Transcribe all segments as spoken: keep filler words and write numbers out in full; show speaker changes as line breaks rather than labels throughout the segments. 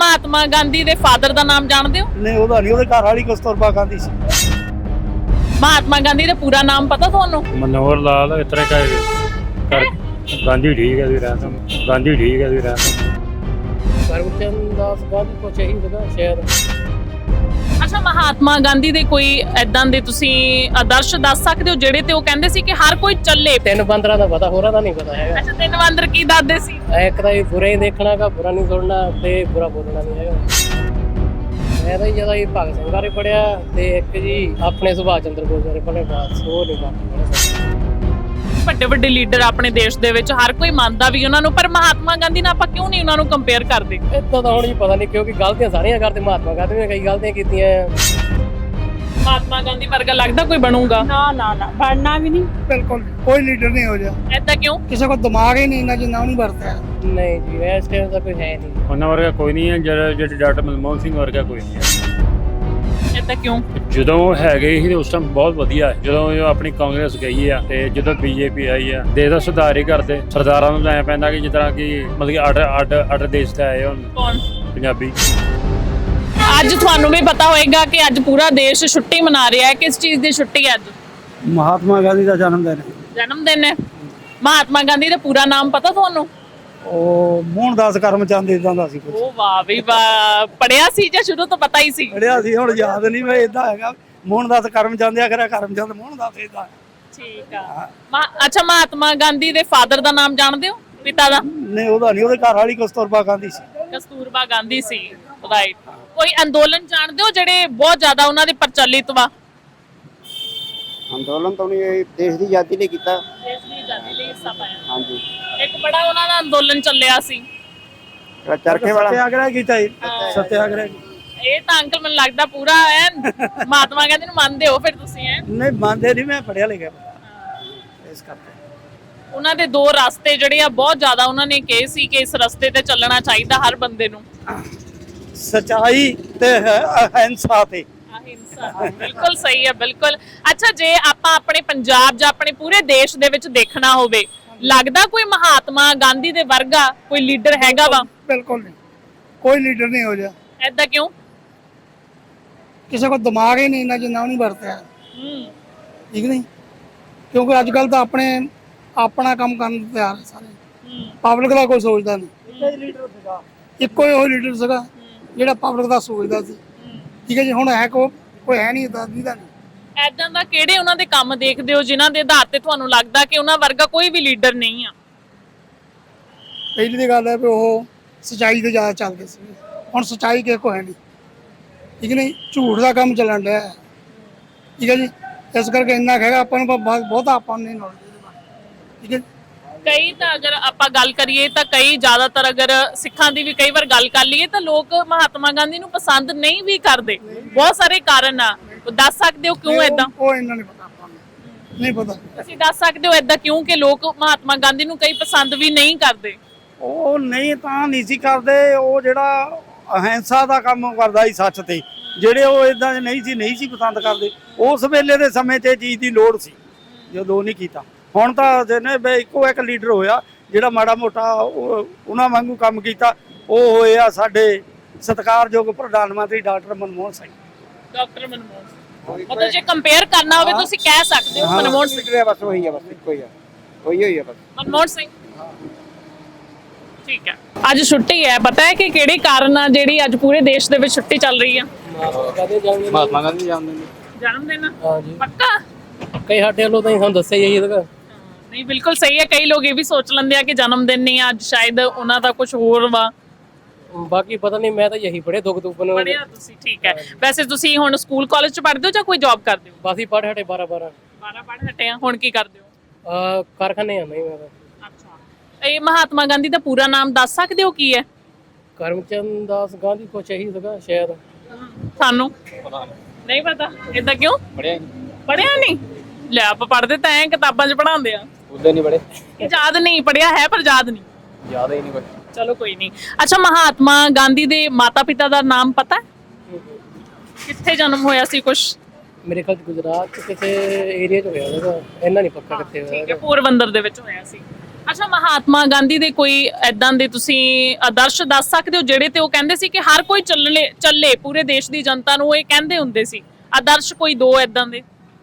महात्मा गांधी दे father दा नाम जानदे हो?
नहीं ਉਹਦਾ ਨਹੀਂ, ਉਹਦੇ ਘਰ ਵਾਲੀ ਕਸਤੂਰਬਾ ਗਾਂਧੀ ਸੀ।
महात्मा गांधी ਦਾ ਪੂਰਾ ਨਾਮ ਪਤਾ ਤੁਹਾਨੂੰ?
मनोहर लाल इस तरह का कर गांधी ठीक है भी रहता गांधी ठीक है भी रहता
ਕਰਮਚੰਦ ਦਾਸ ਗਾਂਧੀ ਕੋ ਚਾਹੀਦਾ ਸ਼ਾਇਦ।
ਅੱਛਾ, ਮਹਾਤਮਾ ਗਾਂਧੀ ਦੇ ਕੋਈ ਐਦਾਂ ਦੇ ਤੁਸੀਂ ਆਦਰਸ਼ ਦੱਸ ਸਕਦੇ ਹੋ ਜਿਹੜੇ ਤੇ ਉਹ ਕਹਿੰਦੇ ਸੀ ਕਿ ਹਰ ਕੋਈ ਚੱਲੇ?
ਤਿੰਨ ਬੰਦਰਾਂ ਦਾ ਪਤਾ, ਹੋਰਾਂ ਦਾ ਨਹੀਂ ਪਤਾ ਹੈਗਾ।
ਅੱਛਾ, ਤਿੰਨ ਬੰਦਰ ਕੀ ਦੱਸਦੇ ਸੀ?
ਇੱਕ ਤਾਂ ਇਹ ਬੁਰਾ ਹੀ ਦੇਖਣਾ ਗਾ, ਬੁਰਾ ਨਹੀਂ ਸੁਣਨਾ ਤੇ ਬੁਰਾ ਬੋਲਣਾ ਨਹੀਂ ਹੈਗਾ। ਮੈਂ ਤਾਂ ਜਿਆਦਾ ਹੀ ਭਗਤ ਸਿੰਘ ਬਾਰੇ ਪੜਿਆ ਤੇ ਇੱਕ ਜੀ ਆਪਣੇ ਸੁਭਾਸ਼ ਚੰਦਰ ਬੋਸ ਬਾਰੇ ਪੜਿਆ, ਬਸ ਉਹ ਨਹੀਂ ਬਾਕੀ।
ਵੱਡੇ ਵੱਡੇ ਲੀਡਰ ਆਪਣੇ ਦੇਸ਼ ਦੇ ਵਿੱਚ ਹਰ ਕੋਈ ਮੰਨਦਾ ਵੀ ਉਹਨਾਂ ਨੂੰ, ਪਰ ਮਹਾਤਮਾ ਗਾਂਧੀ ਨਾਲ ਆਪਾਂ ਕਿਉਂ ਨਹੀਂ ਉਹਨਾਂ ਨੂੰ ਕੰਪੇਅਰ ਕਰਦੇ?
ਇਦਾਂ ਤਾਂ ਹੁਣ ਜੀ ਪਤਾ ਨਹੀਂ, ਕਿਉਂਕਿ ਗਲਤੀਆਂ ਸਾਰੀਆਂ ਕਰਦੇ। ਮਹਾਤਮਾ ਗਾਂਧੀ ਨੇ ਕਈ ਗਲਤੀਆਂ ਕੀਤੀਆਂ।
ਮਹਾਤਮਾ ਗਾਂਧੀ ਵਰਗਾ ਲੱਗਦਾ ਕੋਈ ਬਣੂਗਾ?
ਨਾ ਨਾ ਨਾ ਬਣਨਾ ਵੀ ਨਹੀਂ,
ਬਿਲਕੁਲ ਕੋਈ ਲੀਡਰ ਨਹੀਂ ਹੋ ਜਾ।
ਐਦਾਂ ਕਿਉਂ?
ਕਿਸੇ ਕੋਲ ਦਿਮਾਗ ਹੀ ਨਹੀਂ ਇੰਨਾ ਜਿੰਨਾ ਉਹਨੂੰ ਵਰਤਿਆ।
ਨਹੀਂ ਜੀ, ਇਸ ਟਾਈਮ ਤਾਂ ਕੋਈ ਹੈ ਨਹੀਂ।
ਉਹਨਾਂ ਵਰਗਾ ਕੋਈ ਨਹੀਂ ਹੈ, ਜਿਹੜਾ ਜਿਹੜੇ ਡਾਕਟਰ ਮਨਮੋਹਨ ਸਿੰਘ ਵਰਗਾ ਕੋਈ ਨਹੀਂ ਹੈ।
ਐਦਾਂ ਕਿਉਂ?
ਜਦੋਂ ਉਹ ਹੈਗੇ ਸੀ ਉਸ ਟਾਈਮ ਬਹੁਤ ਵਧੀਆ, ਜਦੋਂ ਉਹ ਆਪਣੀ ਕਾਂਗਰਸ ਗਈ ਆ ਤੇ ਜਦੋਂ ਬੀਜੇਪੀ ਆਈ ਆ ਦੇਸ਼ ਦਾ ਸੁਧਾਰ ਹੀ ਕਰਦੇ। ਸਰਦਾਰਾਂ ਨੂੰ ਐ ਪੈਂਦਾ ਕਿ ਜਿਸ ਤਰ੍ਹਾਂ ਕਿ ਮਤਲਬ ਕਿ ਅੱਡ ਅੱਡ ਅੱਡ ਦੇਸ਼ ਤੇ ਆਏ ਹੁਣ
ਕੌਣ?
ਪੰਜਾਬੀ।
ਅੱਜ ਤੁਹਾਨੂੰ ਵੀ ਪਤਾ ਹੋਏਗਾ ਕਿ ਅੱਜ ਪੂਰਾ ਦੇਸ਼ ਛੁੱਟੀ ਮਨਾ ਰਿਹਾ ਹੈ। ਕਿਸ ਚੀਜ਼ ਦੀ ਛੁੱਟੀ ਹੈ ਅੱਜ?
ਮਹਾਤਮਾ ਗਾਂਧੀ ਦਾ ਜਨਮ ਦਿਨ ਹੈ।
ਜਨਮ ਦਿਨ ਹੈ। ਮਹਾਤਮਾ ਗਾਂਧੀ ਦਾ ਪੂਰਾ ਨਾਮ ਪਤਾ ਤੁਹਾਨੂੰ?
ਉਹ ਮੋਹਨਦਾਸ ਕਰਮਚੰਦ ਇਦਾਂ ਦਾ ਸੀ ਕੁਝ।
ਉਹ ਵਾਹ ਵੀ ਵਾਹ, ਪੜਿਆ ਸੀ ਜਾਂ ਸ਼ੁਰੂ ਤੋਂ ਪਤਾ ਹੀ ਸੀ?
ਪੜਿਆ ਸੀ, ਹੁਣ ਯਾਦ ਨਹੀਂ। ਮੈਂ ਇਦਾਂ ਹੈਗਾ ਮੋਹਨਦਾਸ ਕਰਮਚੰਦ ਆ, ਕਰਿਆ ਕਰਮਚੰਦ ਮੋਹਨਦਾਸ ਇਦਾਂ।
ਠੀਕ ਆ। ਮਾ- ਅੱਛਾ, ਮਹਾਤਮਾ ਗਾਂਧੀ ਦੇ ਫਾਦਰ ਦਾ ਨਾਮ ਜਾਣਦੇ ਹੋ? ਪਿਤਾ ਦਾ?
ਨਹੀਂ ਉਹਦਾ ਨਹੀਂ, ਉਹਦੇ ਘਰ ਵਾਲੀ ਕਸਤੂਰਬਾ ਗਾਂਧੀ ਸੀ।
ਕਸਤੂਰਬਾ ਗਾਂਧੀ ਸੀ, ਰਾਈਟ। ਕੋਈ ਅੰਦੋਲਨ ਜਾਣਦੇ ਹੋ ਜਿਹੜੇ ਬਹੁਤ ਜ਼ਿਆਦਾ ਉਹਨਾਂ ਦੇ ਪ੍ਰਚਲਿਤ ਵਾ?
ਅੰਦੋਲਨ ਤਾਂ ਉਹਨੇ ਦੇਸ਼ ਦੀ ਆਜ਼ਾਦੀ ਲਈ ਕੀਤਾ।
ਦੇਸ਼ ਦੀ ਆਜ਼ਾਦੀ ਲਈ ਹਿੱਸਾ ਪਾਇਆ।
ਹਾਂਜੀ,
ਇੱਕ ਬੜਾ ਉਹਨਾਂ ਦਾ ਅੰਦੋਲਨ ਚੱਲਿਆ ਸੀ,
ਜਿਹੜਾ ਚਰਖੇ ਵਾਲਾ
ਸਤਿਆਗ੍ਰਹਿ ਕੀਤਾ ਜੀ। ਸਤਿਆਗ੍ਰਹਿ
ਇਹ ਤਾਂ ਅੰਕਲ ਮੈਨੂੰ ਲੱਗਦਾ ਪੂਰਾ ਐ ਮਹਾਤਮਾ ਗਾਂਧੀ ਨੂੰ ਮੰਨਦੇ ਹੋ ਫਿਰ ਤੁਸੀਂ? ਐ
ਨਹੀਂ ਮੰਨਦੇ ਨਹੀਂ, ਮੈਂ ਪੜਿਆ ਲਿਖਿਆ ਇਸ ਕਰਕੇ।
ਉਹਨਾਂ ਦੇ ਦੋ ਰਸਤੇ ਜਿਹੜੇ ਆ ਬਹੁਤ ਜ਼ਿਆਦਾ ਉਹਨਾਂ ਨੇ ਕਹੇ ਸੀ ਕਿ ਇਸ ਰਸਤੇ ਤੇ ਚੱਲਣਾ ਚਾਹੀਦਾ ਹਰ ਬੰਦੇ ਨੂੰ।
ਸਚਾਈ ਤੇ ਅਹਿੰਸਾ ਤੇ।
ਅਹਿੰਸਾ, ਬਿਲਕੁਲ ਸਹੀ ਹੈ, ਬਿਲਕੁਲ। ਅੱਛਾ, ਜੇ ਆਪਾਂ ਆਪਣੇ ਪੰਜਾਬ ਜਾਂ ਆਪਣੇ ਪੂਰੇ ਦੇਸ਼ ਦੇ ਵਿੱਚ ਦੇਖਣਾ ਹੋਵੇ, ਲੱਗਦਾ ਕੋਈ ਮਹਾਤਮਾ ਗਾਂਧੀ ਦੇ ਵਰਗਾ ਕੋਈ ਲੀਡਰ ਹੈਗਾ ਵਾ?
ਬਿਲਕੁਲ ਨਹੀਂ, ਕੋਈ ਲੀਡਰ ਨਹੀਂ ਹੋ ਜਾ।
ਐਦਾਂ ਕਿਉਂ?
ਕਿਸੇ ਕੋਲ ਦਿਮਾਗ ਹੀ ਨਹੀਂ ਇੰਨਾ ਜਿੰਨਾ ਉਹਨੂੰ ਵਰਤਿਆ।
ਹੂੰ,
ਠੀਕ ਨਹੀਂ, ਕਿਉਂਕਿ ਅੱਜ ਕੱਲ ਤਾਂ ਆਪਣੇ ਆਪਣਾ ਕੰਮ ਕਰਨ ਨੂੰ ਤਿਆਰ ਹੈ ਸਾਰੇ।
ਹੂੰ,
ਪਬਲਿਕ ਦਾ ਕੋਈ ਸੋਚਦਾ ਨਹੀਂ। ਇੱਕੋ ਹੀ ਲੀਡਰ ਸੀਗਾ, ਇੱਕੋ ਹੀ ਉਹ ਲੀਡਰ ਸੀਗਾ ਜਿਹੜਾ ਪਬਲਿਕ ਦਾ ਸੋਚਦਾ ਸੀ। ਠੀਕ ਹੈ ਜੀ, ਹੁਣ ਹੈ ਕੋ ਕੋਈ ਹੈ ਨਹੀਂ ਇਦਾਂ ਦਾ ਨਹੀਂ।
ਐਦਾਂ ਦਾ ਕਿਹੜੇ ਉਹਨਾਂ ਦੇ ਕੰਮ ਦੇਖਦੇ ਹੋ ਜਿਨ੍ਹਾਂ ਦੇ ਆਧਾਰ ਤੇ ਤੁਹਾਨੂੰ ਲੱਗਦਾ ਕਿ ਉਹਨਾਂ ਵਰਗਾ ਕੋਈ ਵੀ ਲੀਡਰ ਨਹੀਂ ਆ?
ਪਹਿਲੀ ਦੀ ਗੱਲ ਹੈ ਵੀ ਉਹ ਸਚਾਈ ਤੇ ਜ਼ਿਆਦਾ ਚੱਲਦੇ ਸੀ, ਹੁਣ ਸਚਾਈ ਕਿਸੇ ਕੋ ਹੈ ਨਹੀਂ। ਠੀਕ ਨਹੀਂ, ਝੂਠ ਦਾ ਕੰਮ ਚੱਲਣ ਡਿਆ ਹੈ। ਠੀਕ ਹੈ ਜੀ, ਇਸ ਕਰਕੇ ਇੰਨਾ ਕਹੇਗਾ ਆਪਾਂ ਨੂੰ ਬਹੁਤਾ ਆਪਾਂ ਨੂੰ ਨਹੀਂ ਨੌਲੇਜ ਇਹਦੇ ਬਾਰੇ। ਠੀਕ ਹੈ,
ਕਈ ਤਾਂ ਅਗਰ ਆਪਾਂ ਗੱਲ ਕਰੀਏ ਤਾਂ ਕਈ ਜ਼ਿਆਦਾਤਰ ਅਗਰ ਸਿੱਖਾਂ ਦੀ ਵੀ ਕਈ ਵਾਰ ਗੱਲ ਕਰ ਲਈਏ ਤਾਂ ਲੋਕ ਮਹਾਤਮਾ ਗਾਂਧੀ ਨੂੰ ਪਸੰਦ ਨਹੀਂ ਵੀ ਕਰਦੇ। ਬਹੁਤ ਸਾਰੇ ਕਾਰਨ ਆ, ਉਹ ਦੱਸ ਸਕਦੇ ਹੋ ਕਿਉਂ ਐਦਾਂ?
ਉਹ ਇਹਨਾਂ ਨਹੀਂ ਪਤਾ, ਆਪਾਂ ਨੂੰ ਨਹੀਂ ਪਤਾ।
ਤੁਸੀਂ ਦੱਸ ਸਕਦੇ ਹੋ ਐਦਾਂ ਕਿਉਂ ਕਿ ਲੋਕ ਮਹਾਤਮਾ ਗਾਂਧੀ ਨੂੰ ਕਈ ਪਸੰਦ ਵੀ ਨਹੀਂ ਕਰਦੇ?
ਉਹ ਨਹੀਂ ਤਾਂ ਨਹੀਂ ਸੀ ਕਰਦੇ, ਉਹ ਜਿਹੜਾ ਅਹਿੰਸਾ ਦਾ ਕੰਮ ਕਰਦਾ ਸੀ ਸੱਚ ਤੇ, ਜਿਹੜੇ ਉਹ ਇਦਾਂ ਦੇ ਨਹੀਂ ਸੀ ਨਹੀਂ ਸੀ ਪਸੰਦ ਕਰਦੇ। ਉਸ ਵੇਲੇ ਦੇ ਸਮੇਂ ਤੇ ਚੀਜ਼ ਦੀ ਲੋੜ ਸੀ, ਜਦੋਂ ਨਹੀਂ ਕੀਤਾ। ਹੁਣ ਤਾਂ ਜਿਹਨੇ ਇੱਕੋ ਇੱਕ ਲੀਡਰ ਹੋਇਆ ਜਿਹੜਾ ਮਾੜਾ ਮੋਟਾ ਉਹਨਾਂ ਵਾਂਗੂ ਕੰਮ ਕੀਤਾ, ਉਹ ਹੋਏ ਆ ਸਾਡੇ ਸਤਿਕਾਰਯੋਗ ਪ੍ਰਧਾਨ ਮੰਤਰੀ ਡਾਕਟਰ ਮਨਮੋਹਨ ਸਿੰਘ।
ਡਾਕਟਰ ਮਨਮੋਹਨ ਸਿੰਘ, ਮਤਲਬ ਜੇ ਕੰਪੇਅਰ ਕਰਨਾ ਹੋਵੇ ਤੁਸੀਂ ਕਹਿ ਸਕਦੇ ਹੋ ਮਨਮੋਹਨ ਸਿੰਘ।
ਬਸ ਉਹੀ ਆ, ਬਸ ਇੱਕੋ ਹੀ ਆ, ਉਹੀ ਹੋਈ ਆ ਬਸ
ਮਨਮੋਹਨ ਸਿੰਘ। ਠੀਕ ਹੈ, ਅੱਜ ਛੁੱਟੀ ਹੈ। ਪਤਾ ਹੈ ਕਿ ਕਿਹੜੇ ਕਾਰਨ ਆ ਜਿਹੜੀ ਅੱਜ ਪੂਰੇ ਦੇਸ਼ ਦੇ ਵਿੱਚ ਛੁੱਟੀ ਚੱਲ ਰਹੀ ਆ?
ਮਹਾਤਮਾ ਗਾਂਧੀ ਜਨਮ ਦਿਨ।
ਜਨਮ ਦਿਨ
ਹਾਂਜੀ,
ਪੱਕਾ?
ਕਈ ਸਾਡੇ ਵੱਲੋਂ ਤਾਂ ਸਾਨੂੰ ਦੱਸਿਆ ਹੀ ਇਹਦਾ।
ਨਹੀਂ, ਬਿਲਕੁਲ ਸਹੀ ਹੈ। ਕਈ ਲੋਕ ਇਹ ਵੀ ਸੋਚ ਲੈਂਦੇ ਆ ਕਿ ਜਨਮ ਦਿਨ ਨਹੀਂ ਅੱਜ, ਸ਼ਾਇਦ ਉਹਨਾਂ ਦਾ ਕੁਝ ਹੋਰ ਵਾ।
ਬਾਕੀ ਪਤਾ ਨਹੀਂ, ਮੈਂ ਤਾਂ ਯਹੀ ਪੜ੍ਹੇ ਦੁੱਖ ਦੁੱਖ ਨੂੰ।
ਪੜ੍ਹਿਆ ਤੁਸੀਂ, ਠੀਕ ਹੈ। ਵੈਸੇ ਤੁਸੀਂ ਹੁਣ ਸਕੂਲ ਕਾਲਜ ਚ ਪੜ੍ਹਦੇ ਹੋ ਜਾਂ ਕੋਈ ਜੌਬ ਕਰਦੇ ਹੋ?
ਬਸ ਹੀ ਪੜ੍ਹ ਹਟੇ ਬਾਰਾਂ ਬਾਰਾਂ
ਬਾਰਾਂ ਪੜ੍ਹ ਹਟੇ ਆ। ਹੁਣ ਕੀ ਕਰਦੇ ਹੋ?
ਆ ਕਾਰਖਾਨੇ ਆ ਨਹੀਂ ਮੈਂ ਤਾਂ।
ਅੱਛਾ, ਇਹ ਮਹਾਤਮਾ ਗਾਂਧੀ ਦਾ ਪੂਰਾ ਨਾਮ ਦੱਸ ਸਕਦੇ ਹੋ ਕੀ ਹੈ?
ਕਰਮਚੰਦ ਦਾਸ ਗਾਂਧੀ ਕੋ ਚਾਹੀਦਾ ਸ਼ਾਇਦ।
ਸਾਨੂੰ ਨਹੀਂ ਪਤਾ। ਏਦਾਂ ਕਿਉਂ?
ਪੜਿਆ
ਪੜਿਆ ਨਹੀਂ? ਲੈ, ਆਪਾਂ ਪੜ੍ਹਦੇ ਤਾਂ ਐ ਕਿਤਾਬਾਂ 'ਚ ਪੜ੍ਹਾਉਂਦੇ ਆ।
ਉਦੋਂ ਨਹੀਂ ਪੜੇ,
ਯਾਦ ਨਹੀਂ, ਪੜਿਆ ਹੈ ਪਰ ਯਾਦ ਨਹੀਂ।
ਯਾਦ ਹੀ ਨਹੀਂ ਕੁਝ।
ਚਲੋ ਕੋਈ ਨਹੀਂ। ਅੱਛਾ, ਮਹਾਤਮਾ ਗਾਂਧੀ ਦੇ ਮਾਤਾ ਪਿਤਾ ਦਾ ਨਾਮ ਪਤਾ ਹੈ? ਕਿੱਥੇ ਜਨਮ ਹੋਇਆ ਸੀ ਕੁਛ?
ਮੇਰੇ ਖਿਆਲ ਗੁਜਰਾਤ ਚ ਕਿਸੇ ਏਰੀਆ ਚ ਹੋਇਆ ਹੋਵੇਗਾ, ਇੰਨਾ ਨਹੀਂ ਪੱਕਾ ਕਿੱਥੇ ਹੋਇਆ।
ਠੀਕ ਹੈ, ਪੋਰਬੰਦਰ ਦੇ ਵਿੱਚ ਹੋਇਆ ਸੀ। ਅੱਛਾ, ਮਹਾਤਮਾ ਗਾਂਧੀ ਦੇ ਕੋਈ ਐਦਾਂ ਦੇ ਤੁਸੀਂ ਆਦਰਸ਼ ਦੱਸ ਸਕਦੇ ਹੋ ਜਿਹੜੇ ਤੇ ਉਹ ਕਹਿੰਦੇ ਸੀ ਕਿ ਹਰ ਕੋਈ ਚੱਲਣੇ ਚੱਲੇ, ਪੂਰੇ ਦੇਸ਼ ਦੀ ਜਨਤਾ ਨੂੰ ਇਹ ਕਹਿੰਦੇ ਹੁੰਦੇ ਸੀ? ਆਦਰਸ਼ ਕੋਈ ਦੋ ਐਦਾਂ ਦੇ,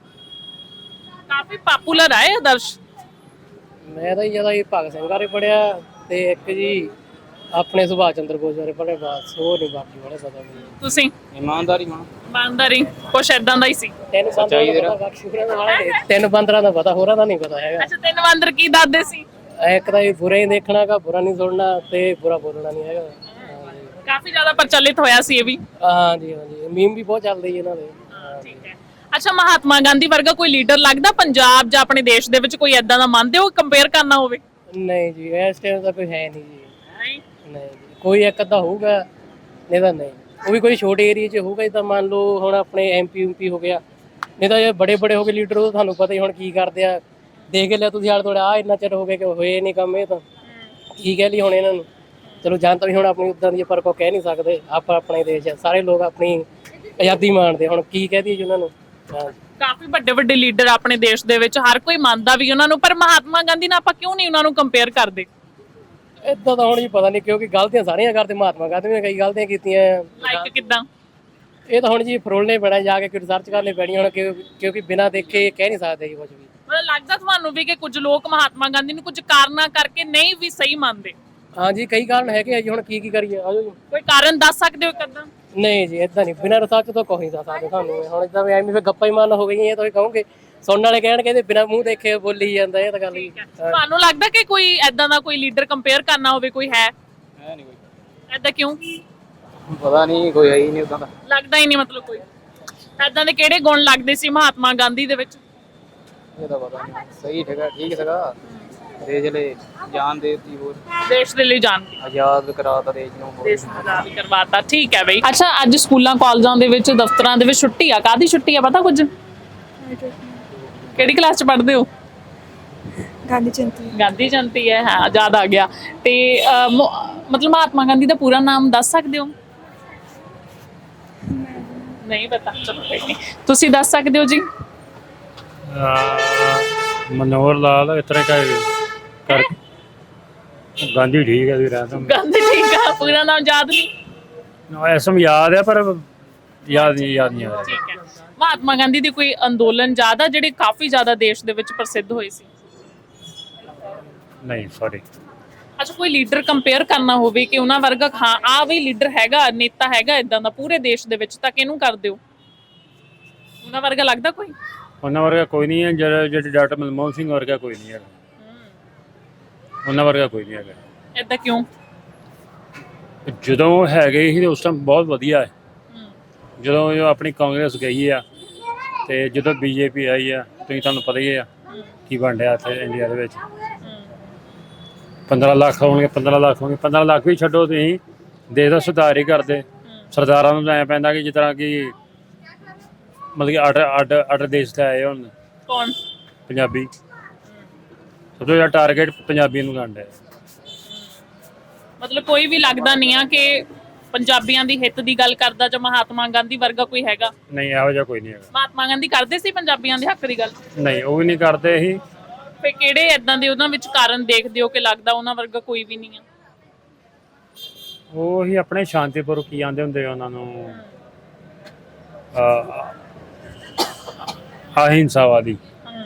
ਕਾਫੀ ਪਪੂਲਰ ਆ ਇਹ ਆਦਰਸ਼।
ਮੈਂ ਤਾਂ ਜੀ ਜ਼ਿਆਦਾ ਇਹ ਭਗਤ ਸਿੰਘ ਬਾਰੇ ਪੜਿਆ ਤੇ ਇੱਕ ਜੀ ਆਪਣੇ ਸੁਭਾਸ਼ ਚੰਦਰ ਬੋਸ ਬਾਰੇ ਪੜਿਆ, ਬਸ ਹੋਰ ਨਹੀਂ ਬਾਕੀ ਬਾਰੇ ਪਤਾ ਮੈਨੂੰ।
ਤੁਸੀਂ?
ਇਮਾਨਦਾਰੀ ਹੋਣਾ।
ਇਮਾਨਦਾਰੀ ਕੁਛ ਐਦਾਂ ਦਾ ਹੀ ਸੀ।
ਤਿੰਨ
ਸੱਚਾਈ
ਬੰਦਰਾਂ ਦਾ ਪਤਾ, ਬਾਕੀ ਹੋਰਾਂ ਦਾ ਵਾਲਾ ਨਹੀਂ। ਤਿੰਨ ਬੰਦਰਾਂ ਦਾ ਪਤਾ, ਹੋਰਾਂ ਦਾ ਨਹੀਂ ਪਤਾ ਹੈਗਾ।
ਅੱਛਾ, ਤਿੰਨ ਬਾਂਦਰ ਕੀ ਦੱਸਦੇ ਸੀ?
ਇੱਕ ਤਾਂ ਇਹ ਬੁਰਾ ਹੀ ਦੇਖਣਾ ਗਾ, ਬੁਰਾ ਨਹੀਂ ਸੁਣਨਾ ਤੇ ਬੁਰਾ ਬੋਲਣਾ ਨਹੀਂ ਹੈਗਾ। ਹਾਂਜੀ
ਕਾਫੀ ਜ਼ਿਆਦਾ ਪ੍ਰਚਲਿਤ ਹੋਇਆ ਸੀ ਇਹ ਵੀ।
ਹਾਂਜੀ ਹਾਂਜੀ, ਮੀਮ ਵੀ ਬਹੁਤ ਚੱਲਦੇ ਜੀ ਇਹਨਾਂ ਦੇ।
ਠੀਕ ਹੈ। ਅੱਛਾ, ਮਹਾਤਮਾ ਗਾਂਧੀ ਵਰਗਾ ਕੋਈ ਲੀਡਰ ਲੱਗਦਾ ਪੰਜਾਬ ਜਾਂ ਆਪਣੇ ਦੇਸ਼ ਦੇ ਵਿੱਚ ਕੋਈ ਐਦਾਂ ਦਾ ਮੰਨਦੇ ਹੋ ਕੰਪੇਅਰ ਕਰਨਾ ਹੋਵੇ?
ਨਹੀਂ ਜੀ, ਇਸ ਟਾਈਮ ਤਾਂ ਕੋਈ ਹੈ ਨਹੀਂ ਜੀ। ਨਹੀਂ ਜੀ, ਕੋਈ ਇੱਕ ਅੱਧਾ ਹੋਊਗਾ, ਨਹੀਂ ਤਾਂ ਨਹੀਂ। ਉਹ ਵੀ ਕੋਈ ਛੋਟੇ ਏਰੀਆ 'ਚ ਹੋਊਗਾ, ਤਾਂ ਮੰਨ ਲਓ ਹੁਣ ਆਪਣੇ ਐਮਪੀ ਯੂਪੀ ਹੋ ਗਿਆ, ਨਹੀਂ ਤਾਂ ਇਹ ਬੜੇ ਬੜੇ ਹੋ ਗਏ ਲੀਡਰ, ਉਹ ਤੁਹਾਨੂੰ ਪਤਾ ਹੀ ਹੁਣ ਕੀ ਕਰਦੇ ਆ। ਦੇਖ ਲਿਆ ਤੁਸੀਂ ਆਲੇ ਦੁਆਲੇ, ਆ ਇੰਨਾ ਚਿਰ ਹੋ ਗਿਆ ਕਿ ਹੋਏ ਨਹੀਂ ਕੰਮ, ਇਹ ਤਾਂ ਕੀ ਕਹਿ ਲਈ ਹੁਣ ਇਹਨਾਂ ਨੂੰ। ਚਲੋ ਜਨਤਾ ਵੀ ਹੁਣ ਆਪਣੀ ਉੱਦਾਂ ਦੀ, ਪਰ ਕੋ ਕਹਿ ਨਹੀਂ ਸਕਦੇ। ਆਪਾਂ ਆਪਣੇ ਦੇਸ਼ ਆ, ਸਾਰੇ ਲੋਕ ਆਪਣੀ ਆਜ਼ਾਦੀ ਮਾਣਦੇ, ਹੁਣ ਕੀ ਕਹਿ ਦਈਏ ਜੀ ਉਹਨਾਂ ਨੂੰ। ਹਾਂ,
ਕਾਫੀ ਵੱਡੇ ਵੱਡੇ ਲੀਡਰ ਆਪਣੇ ਦੇਸ਼ ਦੇ ਵਿੱਚ, ਹਰ ਕੋਈ ਮੰਨਦਾ ਵੀ ਉਹਨਾਂ ਨੂੰ, ਪਰ ਮਹਾਤਮਾ ਗਾਂਧੀ ਨਾਲ ਆਪਾਂ ਕਿਉਂ ਨਹੀਂ ਉਹਨਾਂ ਨੂੰ ਕੰਪੇਅਰ ਕਰਦੇ?
ਏਦਾਂ ਤਾਂ ਹੁਣ ਜੀ ਪਤਾ ਨਹੀਂ, ਕਿਉਂਕਿ ਗਲਤੀਆਂ ਸਾਰੀਆਂ ਕਰਦੇ। ਮਹਾਤਮਾ ਗਾਂਧੀ ਨੇ ਕਈ ਗਲਤੀਆਂ ਕੀਤੀਆਂ।
ਲਾਈਕ ਕਿਦਾਂ?
ਇਹ ਤਾਂ ਹੁਣ ਜੀ ਫਰੋਲਣੇ ਪੈਣਾ, ਜਾ ਕੇ ਰਿਸਰਚ ਕਰਨੀ ਪੈਣੀ ਹੁਣ, ਕਿਉਂ- ਕਿਉਂਕਿ ਬਿਨਾਂ ਦੇਖੇ ਕਹਿ ਨਹੀਂ ਸਕਦੇ ਜੀ ਕੁਝ ਵੀ।
ਮਤਲਬ ਲੱਗਦਾ ਤੁਹਾਨੂੰ ਵੀ ਕਿ ਕੁਝ ਲੋਕ ਮਹਾਤਮਾ ਗਾਂਧੀ ਨੂੰ ਕੁਝ ਕਾਰਨਾਂ ਕਰਕੇ ਨਹੀਂ ਵੀ ਸਹੀ ਮੰਨਦੇ?
ਹਾਂਜੀ, ਕਈ ਕਾਰਨ ਹੈਗੇ ਆ ਜੀ, ਹੁਣ ਕੀ ਕੀ ਕਰੀਏ। ਆਜੋ ਜੀ।
ਕੋਈ ਕਾਰਨ ਦੱਸ ਸਕਦੇ ਹੋ ਇੱਕ ਅੱਧਾ?
ਨਹੀਂ ਜੀ, ਇਦਾਂ ਨਹੀਂ, ਬਿਨਾਂ ਰਿਸਰਚ ਤੋਂ ਕੋਈ ਨਹੀਂ ਦੱਸ ਸਕਦੇ ਤੁਹਾਨੂੰ। ਹੁਣ ਇਦਾਂ ਵੀ ਐਵੇਂ ਫਿਰ ਗੱਪਾਂ ਹੀ ਮਾਰਨ ਹੋ ਗਈਆਂ, ਇਹ ਤਾਂ ਕਹੋਗੇ ਸੁਣਨ ਵਾਲੇ ਕਹਿਣਗੇ ਤੇ ਬਿਨਾਂ ਮੂੰਹ ਦੇਖੇ ਬੋਲੀ ਜਾਂਦਾ, ਇਹ ਤਾਂ ਗੱਲ ਹੀ।
ਤੁਹਾਨੂੰ ਲੱਗਦਾ ਕਿ ਕੋਈ ਐਦਾਂ ਦਾ ਕੋਈ ਲੀਡਰ ਕੰਪੇਅਰ ਕਰਨਾ ਹੋਵੇ, ਕੋਈ ਹੈ
ਹੈ ਨਹੀਂ ਕੋਈ।
ਐਦਾਂ? ਕਿਉਂ?
ਪਤਾ ਨਹੀਂ, ਕੋਈ ਹੈ ਹੀ ਨਹੀਂ ਉਦਾਂ ਦਾ।
ਲੱਗਦਾ ਹੀ ਨਹੀਂ ਮਤਲਬ ਕੋਈ ਐਦਾਂ ਦੇ ਕਿਹੜੇ ਗੁਣ ਲੱਗਦੇ ਸੀ ਮਹਾਤਮਾ ਗਾਂਧੀ ਦੇ ਵਿੱਚ?
ਇਹ ਤਾਂ ਪਤਾ ਨਹੀਂ। ਸਹੀ ਠਗਾ ਠੀਕ ਸੀਗਾ, ਦੇਸ਼ ਲਈ ਜਾਨ ਦੇ ਦਿੱਤੀ, ਹੋਰ
ਦੇਸ਼ ਦੇ ਲਈ ਜਾਨ ਦੀ,
ਆਜ਼ਾਦ ਕਰਾਤਾ ਦੇਸ਼ ਨੂੰ।
ਦੇਸ਼ ਨੂੰ ਆਜ਼ਾਦ ਕਰਵਾਤਾ। ਠੀਕ ਹੈ ਬਈ। ਅੱਛਾ, ਅੱਜ ਸਕੂਲਾਂ ਕਾਲਜਾਂ ਦੇ ਵਿੱਚ, ਦਫ਼ਤਰਾਂ ਦੇ ਵਿੱਚ ਛੁੱਟੀ ਆ, ਕਾਹਦੀ ਛੁੱਟੀ ਆ ਪਤਾ ਕੁਝ? ਕਿਹੜੀ ਕਲਾਸ ਚ ਪੜ੍ਹਦੇ ਹੋ?
ਗਾਂਧੀ ਜਯੰਤੀ।
ਗਾਂਧੀ ਜਯੰਤੀ ਹੈ, ਹਾਂ ਯਾਦ ਆ ਗਿਆ। ਤੇ ਅਹ, ਮ- ਮਤਲਬ ਮਹਾਤਮਾ ਗਾਂਧੀ ਦਾ ਪੂਰਾ ਨਾਮ ਦੱਸ ਸਕਦੇ ਹੋ? ਨਹੀਂ ਪਤਾ, ਚਲੋ ਕੋਈ ਨਹੀਂ, ਤੁਸੀਂ ਦੱਸ ਸਕਦੇ ਹੋ ਜੀ?
ਮਨੋਹਰ ਲਾਲ ਇਸ ਤਰ੍ਹਾਂ ਕਰ ਕਰ ਗਾਂਧੀ ਠੀਕ ਹੈ ਜੀ, ਰਹਿ
ਗਾਂਧੀ ਠੀਕ ਆ, ਪੂਰਾ ਨਾਮ ਯਾਦ ਨਹੀਂ?
ਤਾਂ ਐਸਮ ਯਾਦ ਹੈ ਪਰ ਯਾਦ ਨਹੀਂ ਯਾਦ ਨਹੀਂ ਆ ਰਿਹਾ।
ਠੀਕ ਹੈ। ਮਹਾਤਮਾ ਗਾਂਧੀ ਦੀ ਕੋਈ ਅੰਦੋਲਨ ਯਾਦ ਆ ਜਿਹੜੇ ਕਾਫੀ ਜ਼ਿਆਦਾ ਦੇਸ਼ ਦੇ ਵਿੱਚ ਪ੍ਰਸਿੱਧ ਹੋਏ ਸੀ?
ਨਹੀਂ ਸੌਰੀ।
ਅੱਛਾ, ਕੋਈ ਲੀਡਰ ਕੰਪੇਅਰ ਕਰਨਾ ਹੋਵੇ ਕਿ ਉਹਨਾਂ ਵਰਗਾ, ਹਾਂ ਆ ਵੀ ਲੀਡਰ ਹੈਗਾ, ਨੇਤਾ ਹੈਗਾ ਇਦਾਂ ਦਾ ਪੂਰੇ ਦੇਸ਼ ਦੇ ਵਿੱਚ, ਤਾਂ ਕਿਹਨੂੰ ਕਰਦੇ ਹੋ? ਉਹਨਾਂ ਵਰਗਾ ਲੱਗਦਾ ਕੋਈ?
ਉਹਨਾਂ ਵਰਗਾ ਕੋਈ ਨਹੀਂ ਹੈ, ਜਿਹੜਾ ਜਿਹੜੇ ਡਾਕਟਰ ਮਨਮੋਹਨ ਸਿੰਘ ਵਰਗਾ ਕੋਈ ਨਹੀਂ ਹੈਗਾ। ਉਹਨਾਂ ਵਰਗਾ ਕੋਈ ਨਹੀਂ ਹੈਗਾ।
ਏਦਾਂ ਕਿਉਂ?
ਜਦੋਂ ਹੈਗੇ ਸੀ ਉਸ ਟਾਈਮ ਬਹੁਤ ਵਧੀਆ ਹੈ। ਜਦੋਂ ਇਹ ਆਪਣੀ ਕਾਂਗਰਸ ਗਈ ਆ ਤੇ ਜਦੋਂ ਬੀਜੇਪੀ ਆਈ ਆ, ਤੁਸੀਂ ਤੁਹਾਨੂੰ ਪਤਾ ਹੀ ਆ ਕੀ ਬਣ ਰਿਹਾ ਇੱਥੇ ਇੰਡੀਆ ਦੇ ਵਿੱਚ। ਪੰਦਰਾਂ ਲੱਖ ਹੋਣਗੇ, ਪੰਦਰਾਂ ਲੱਖ ਹੋਣਗੇ, ਪੰਦਰਾਂ ਲੱਖ ਵੀ ਛੱਡੋ, ਤੁਸੀਂ ਦੇਸ਼ ਦਾ ਸੁਧਾਰ ਹੀ ਕਰਦੇ। ਸਰਦਾਰਾਂ ਨੂੰ ਐਂ ਪੈਂਦਾ ਕਿ ਜਿਸ ਤਰ੍ਹਾਂ ਕਿ ਮਤਲਬ ਕਿ ਅੱਡ ਅੱਡ ਅੱਡ ਦੇਸ਼ ਤੇ ਆਏ ਹੁਣ
ਕੌਣ?
ਪੰਜਾਬੀ। ਸਭ ਤੋਂ ਜ਼ਿਆਦਾ ਟਾਰਗੇਟ ਪੰਜਾਬੀ ਨੂੰ ਕਰਨਾ ਹੈ।
ਮਤਲਬ ਕੋਈ ਵੀ ਲੱਗਦਾ ਨਹੀਂ ਆ ਕਿ ਪੰਜਾਬੀਆਂ ਦੀ ਹਿੱਤ ਦੀ ਗੱਲ ਕਰਦਾ ਜਾਂ ਮਹਾਤਮਾ ਗਾਂਧੀ ਵਰਗਾ ਕੋਈ ਹੈਗਾ?
ਨਹੀਂ, ਇਹੋ ਜਿਹਾ ਕੋਈ ਨਹੀਂ ਹੈਗਾ।
ਮਹਾਤਮਾ ਗਾਂਧੀ ਕਰਦੇ ਸੀ ਪੰਜਾਬੀਆਂ ਦੇ ਹੱਕ ਦੀ ਗੱਲ?
ਨਹੀਂ, ਉਹ ਵੀ ਨਹੀਂ ਕਰਦੇ ਸੀ।
ਫੇ ਕਿਹੜੇ ਏਦਾਂ ਦੇ ਉਹਨਾਂ ਵਿੱਚ ਕਾਰਨ ਦੇਖਦੇ ਹੋ ਕਿ ਲੱਗਦਾ ਉਹਨਾਂ ਵਰਗਾ ਕੋਈ ਵੀ ਨਹੀਂ ਆ?
ਉਹ ਹੀ ਆਪਣੇ ਸ਼ਾਂਤੀਪੁਰ ਕੀ ਆਂਦੇ ਹੁੰਦੇ ਉਹਨਾਂ ਨੂੰ, ਅਹਿੰਸਾਵਾਦੀ।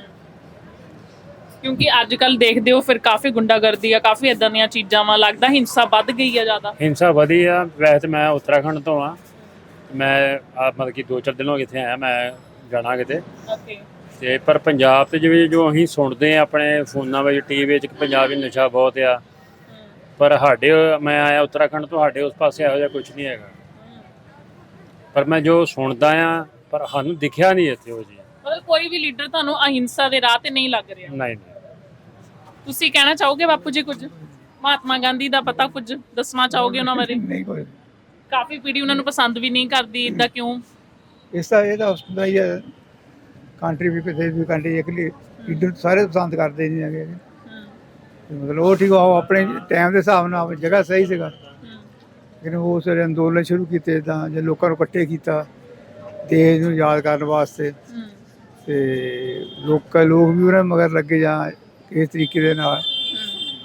ਕਿਉਂਕਿ ਅੱਜ ਕੱਲ ਦੇਖਦੇ ਹੋ ਫਿਰ ਕਾਫੀ ਗੁੰਡਾਗਰਦੀ ਆ, ਕਾਫੀ ਇਦਾਂ ਦੀਆਂ ਚੀਜ਼ਾਂ ਵਾ, ਲੱਗਦਾ ਹਿੰਸਾ ਵੱਧ ਗਈ ਆ ਜ਼ਿਆਦਾ।
ਹਿੰਸਾ ਵਧੀ ਆ। ਵੈਸੇ ਤਾਂ ਮੈਂ ਉੱਤਰਾਖੰਡ ਤੋਂ ਆ, ਮੈਂ ਆ ਮਤਲਬ ਕਿ ਦੋ ਚਾਰ ਦਿਨ ਹੋ ਗਏ ਇੱਥੇ ਆਇਆ, ਮੈਂ ਜਾਣਾ ਕਿਤੇ।
ਓਕੇ।
ਤੇ ਪਰ ਪੰਜਾਬ ਤੇ ਜਿਵੇਂ ਜੋ ਅਸੀਂ ਸੁਣਦੇ ਆ ਆਪਣੇ ਫੋਨਾਂ ਵਿੱਚ, ਟੀ ਵੀ ਵਿੱਚ, ਕਿ ਪੰਜਾਬ ਵਿੱਚ ਨਸ਼ਾ ਬਹੁਤ ਆ, ਪਰ ਸਾਡੇ ਮੈਂ ਆਇਆ ਉੱਤਰਾਖੰਡ ਤੋਂ, ਸਾਡੇ ਉਸ ਪਾਸੇ ਇਹੋ ਜਿਹਾ ਕੁਝ ਨਹੀਂ ਹੈਗਾ। ਪਰ ਮੈਂ ਜੋ ਸੁਣਦਾ ਆ, ਪਰ ਸਾਨੂੰ ਦਿਖਿਆ ਨਹੀਂ ਇੱਥੇ ਉਹ ਜੀ।
ਮਤਲਬ ਕੋਈ ਵੀ ਲੀਡਰ ਤੁਹਾਨੂੰ ਅਹਿੰਸਾ ਦੇ ਰਾਹ ਤੇ ਨਹੀਂ ਲੱਗ ਰਿਹਾ?
ਨਹੀਂ।
ਤੁਸੀਂ ਕਹਿਣਾ ਚਾਹੋਗੇ ਬਾਪੂ ਜੀ ਕੁਝ? ਮਹਾਤਮਾ ਗਾਂਧੀ ਦਾ ਪਤਾ ਕੁਝ ਦੱਸਣਾ ਚਾਹੋਗੇ ਉਹਨਾਂ ਬਾਰੇ?
ਨਹੀਂ ਕੋਈ।
ਕਾਫੀ ਪੀੜ੍ਹੀ ਉਹਨਾਂ ਨੂੰ ਪਸੰਦ ਵੀ ਨਹੀਂ ਕਰਦੀ, ਇਦਾਂ ਕਿਉਂ?
ਇਸ ਦਾ ਇਹ ਤਾਂ ਹੁੰਦਾ ਹੀ ਹੈ, ਕੰਟਰੀ ਵੀ ਕਿਸੇ ਵੀ ਕੰਟਰੀ ਇੱਕ ਲੀਡਰ ਸਾਰੇ ਪਸੰਦ ਕਰਦੇ ਨਹੀਂ ਹੈਗੇ। ਮਤਲਬ ਉਹ ਠੀਕ, ਉਹ ਆਪਣੇ ਟਾਈਮ ਦੇ ਹਿਸਾਬ ਨਾਲ ਜਗ੍ਹਾ ਸਹੀ ਸੀਗਾ, ਲੇਕਿਨ ਉਸ ਵੇਲੇ ਅੰਦੋਲਨ ਸ਼ੁਰੂ ਕੀਤੇ ਤਾਂ ਜੇ ਲੋਕਾਂ ਨੂੰ ਇਕੱਠੇ ਕੀਤਾ ਦੇਸ਼ ਨੂੰ ਯਾਦ ਕਰਨ ਵਾਸਤੇ, ਤੇ ਲੋਕਾਂ ਲੋਕ ਵੀ ਉਹਨਾਂ ਮਗਰ ਲੱਗੇ ਜਾਂ ਇਸ ਤਰੀਕੇ ਦੇ ਨਾਲ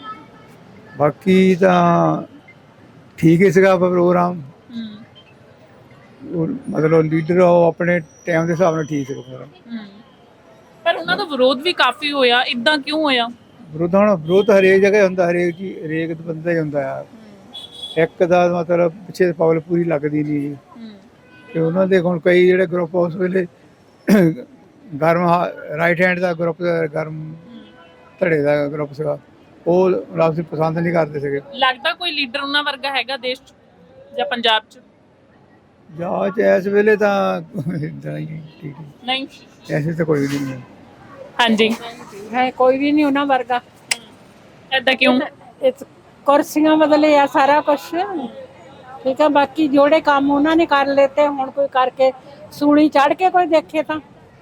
ਬਾਕੀ ਤਾਂ ਠੀਕ ਹੀ ਸੀਗਾ ਪ੍ਰੋਗਰਾਮ।
ਹੂੰ
ਉਹ ਮਤਲਬ ਲੀਡਰ ਉਹ ਆਪਣੇ ਟਾਈਮ ਦੇ ਹਿਸਾਬ ਨਾਲ ਠੀਕ ਸੀਗਾ ਸਾਰਾ।
ਹੂੰ ਪਰ ਉਹਨਾਂ ਦਾ ਵਿਰੋਧ ਵੀ ਕਾਫੀ ਹੋਇਆ, ਇਦਾਂ ਕਿਉਂ ਹੋਇਆ?
ਵਿਰੋਧ ਹੁਣ ਵਿਰੋਧ ਹਰੇਕ ਜਗ੍ਹਾ ਹੁੰਦਾ, ਹਰੇਕ ਜੀ ਹਰੇਕ ਬੰਦਾ ਹੀ ਹੁੰਦਾ ਆ। ਇੱਕ ਦਾ ਮਤਲਬ ਪਿੱਛੇ ਪਬਲਿਕ ਪੂਰੀ ਲੱਗਦੀ ਨਹੀਂ ਜੀ।
ਹੂੰ
ਤੇ ਉਹਨਾਂ ਦੇ ਹੁਣ ਕਈ ਜਿਹੜੇ ਗਰੁੱਪ ਉਸ ਵੇਲੇ ਗਰਮ ਰਾਈਟ ਹੈਂਡ ਦਾ ਗਰੁੱਪ, ਗਰਮ ਧੜੇ ਦਾ ਗਰੁੱਪ ਸੀਗਾ, ਉਹ ਆਪਸੀ ਪਸੰਦ ਨਹੀਂ ਕਰਦੇ ਸੀਗੇ।
ਲੱਗਦਾ ਕੋਈ ਲੀਡਰ ਉਹਨਾਂ ਵਰਗਾ ਹੈਗਾ ਦੇਸ਼ 'ਚ ਜਾਂ ਪੰਜਾਬ 'ਚ?
ਜਾਂ ਚ ਇਸ ਵੇਲੇ ਤਾਂ ਏਦਾਂ ਹੀ ਠੀਕ ਹੈ,
ਨਹੀਂ।
ਐਸੇ ਤਾਂ ਕੋਈ ਵੀ ਨਹੀਂ ਹੈ।
ਹਾਂਜੀ
ਹੈ ਕੋਈ ਵੀ ਨਹੀਂ ਉਹਨਾਂ ਵਰਗਾ।
ਏਦਾਂ ਕਿਉਂ?
ਇਹ ਕੁਰਸੀਆਂ ਬਦਲੇ ਆ ਸਾਰਾ ਕੁਝ, ਠੀਕ ਹੈ। ਬਾਕੀ ਜਿਹੜੇ ਕੰਮ ਉਹਨਾਂ ਨੇ ਕਰ ਲੇਤੇ, ਹੁਣ ਕੋਈ ਕਰਕੇ ਸੂਲੀ ਚੜ ਕੇ ਕੋਈ ਦੇਖੇ ਤਾਂ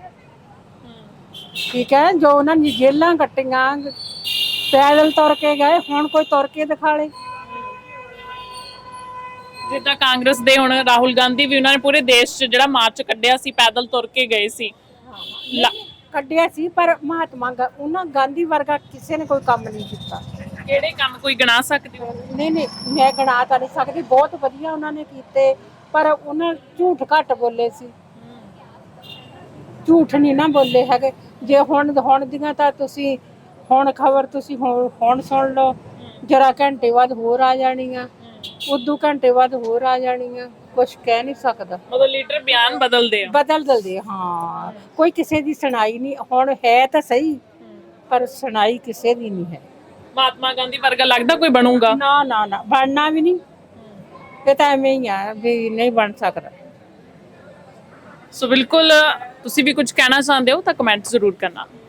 ਠੀਕ ਹੈ। ਜੋ ਉਹਨਾਂ ਨੇ ਜੇਲਾਂ ਕੱਟੀਆਂ, ਪੈਦਲ ਤੁਰ ਕੇ ਗਏ, ਹੁਣ ਕੋਈ ਤੁਰ ਕੇ ਦਿਖਾ ਲੇ।
ਜਿੱਦਾਂ ਕਾਂਗਰਸ ਦੇ ਹੁਣ ਰਾਹੁਲ ਗਾਂਧੀ ਵੀ ਉਹਨਾਂ ਨੇ ਪੂਰੇ ਦੇਸ਼ 'ਚ ਜਿਹੜਾ ਮਾਰਚ ਕੱਢਿਆ ਸੀ, ਪੈਦਲ ਤੁਰ ਕੇ ਗਏ ਸੀ। ਲਾ-
ਕੱਢਿਆ ਸੀ, ਪਰ ਮਹਾਤਮਾ ਗਾ- ਉਹਨਾਂ ਗਾਂਧੀ ਵਰਗਾ ਕਿਸੇ ਨੇ ਕੋਈ ਕੰਮ ਨਹੀਂ ਕੀਤਾ।
ਕਿਹੜੇ ਕੰਮ ਕੋਈ ਗਿਣਾ ਸਕਦੇ ਹੋ?
ਨਹੀਂ ਨਹੀਂ ਮੈਂ ਗਿਣਾ ਤਾਂ ਨਹੀਂ ਸਕਦੀ, ਬਹੁਤ ਵਧੀਆ ਉਹਨਾਂ ਨੇ ਕੀਤੇ, ਪਰ ਉਹਨਾਂ ਝੂਠ ਘੱਟ ਬੋਲੇ ਸੀ, ਝੂਠ ਨਹੀਂ ਨਾ ਬੋਲੇ ਹੈਗੇ। ਜੇ ਹੁਣ ਹੁਣ ਦੀਆਂ ਤਾਂ ਤੁਸੀਂ ਹੁਣ ਖਬਰ ਤੁਸੀਂ ਹੁਣ ਹੁਣ ਸੁਣ ਲਓ, ਜਰਾ ਘੰਟੇ ਬਾਅਦ ਹੋਰ ਆ ਜਾਣੀਆਂ, ਉਦੋਂ ਘੰਟੇ ਬਾਅਦ ਹੋਰ ਆ ਜਾਣੀਆਂ, ਕੁਝ ਕਹਿ ਨਹੀਂ ਸਕਦਾ।
ਮਤਲਬ ਲੀਡਰ ਬਿਆਨ ਬਦਲਦੇ ਆ।
ਬਦਲ ਦਿੰਦੇ ਆ, ਹਾਂ। ਕੋਈ ਕਿਸੇ ਦੀ ਸੁਣਾਈ ਨਹੀਂ, ਹੁਣ ਹੈ ਤਾਂ ਸਹੀ ਪਰ ਸੁਣਾਈ ਕਿਸੇ ਦੀ ਨਹੀਂ ਹੈ।
ਮਹਾਤਮਾ ਗਾਂਧੀ ਵਰਗਾ ਲੱਗਦਾ ਕੋਈ ਬਣੂਗਾ?
ਨਾ ਨਾ ਨਾ ਬਣਨਾ ਵੀ ਨਹੀਂ, ਇਹ ਤਾਂ ਐਵੇਂ ਹੀ ਆ ਵੀ ਨਹੀਂ ਬਣ ਸਕਦਾ।
ਸੋ ਬਿਲਕੁਲ ਤੁਸੀਂ ਵੀ ਕੁਝ ਕਹਿਣਾ ਚਾਹੁੰਦੇ ਹੋ ਤਾਂ ਕਮੈਂਟ ਜ਼ਰੂਰ ਕਰਨਾ।